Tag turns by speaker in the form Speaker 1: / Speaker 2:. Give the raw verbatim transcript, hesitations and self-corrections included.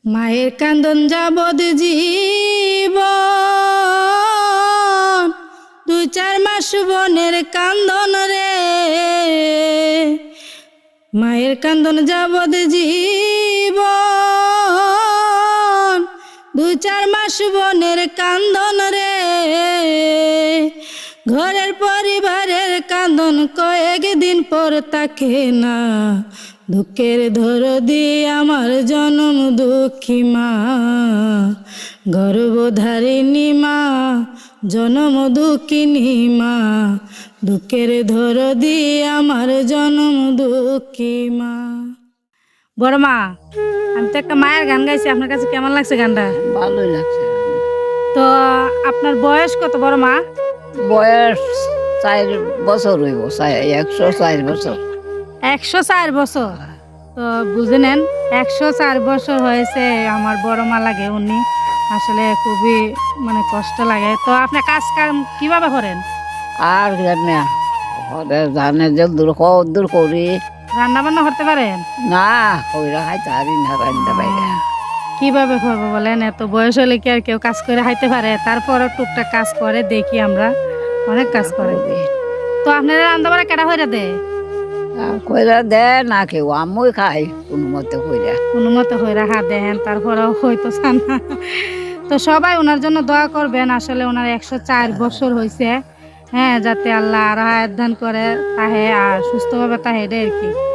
Speaker 1: মায়ের কান্দন যাবদ জীবন, দুই চার মাস বনের কান্দন রে। মায়ের কান্দন যাবদ জীবন, দুই চার মাস বনের কান্দন রে। ঘরের পরিবারের কান্দন কয়েকদিন পর তাকে না। দুঃখের দরদি আমার জনম দুঃখী মা, গর্ভধারিণী মা, জনম দুঃখিনী মা। দুঃখের দরদি আমার জনম দুঃখী মা। বড় মা, আমি তো একটা মায়ের গান গাইছি, আপনার কাছে কেমন লাগছে গানটা?
Speaker 2: ভালোই লাগছে।
Speaker 1: তো আপনার বয়স কত বড় মা?
Speaker 2: বয়স চার বছর হইব, একশো চার বছর।
Speaker 1: একশো চার বছর। তো বুঝে নেন, একশো চার বছর হয়েছে আমার বড় মা লাগে। উনি আসলে খুবই মানে কষ্ট লাগে। তো আপনি কাজ কাম কিভাবে করেন?
Speaker 2: আর জানে জানে যে দূর দূর করি
Speaker 1: রান্না বান্না করতে পারেন
Speaker 2: না, কইরা খাইতে পারি না, রান্না বাইরে।
Speaker 1: কিভাবে করবো বলেন? এত বয়স হলে কি আর কেউ কাজ করে খাইতে পারে? তারপরও টুকটাক কাজ করে দেখি, আমরা অনেক কাজ করে। তো আপনারা রান্না বান্না কেটা হইরা দে?
Speaker 2: কইরা দে না কেউ, আমি খাই কোনো মতে কইরা।
Speaker 1: কোনো মতো হইরা হা দেন, তারপরেও হয়তো চান না। তো সবাই ওনার জন্য দোয়া করবেন। আসলে ওনার একশো চার বছর হয়েছে। হ্যাঁ, যাতে আল্লাহ আরো হায়াত দান করে তাহে আর সুস্থভাবে তাহে আর কি।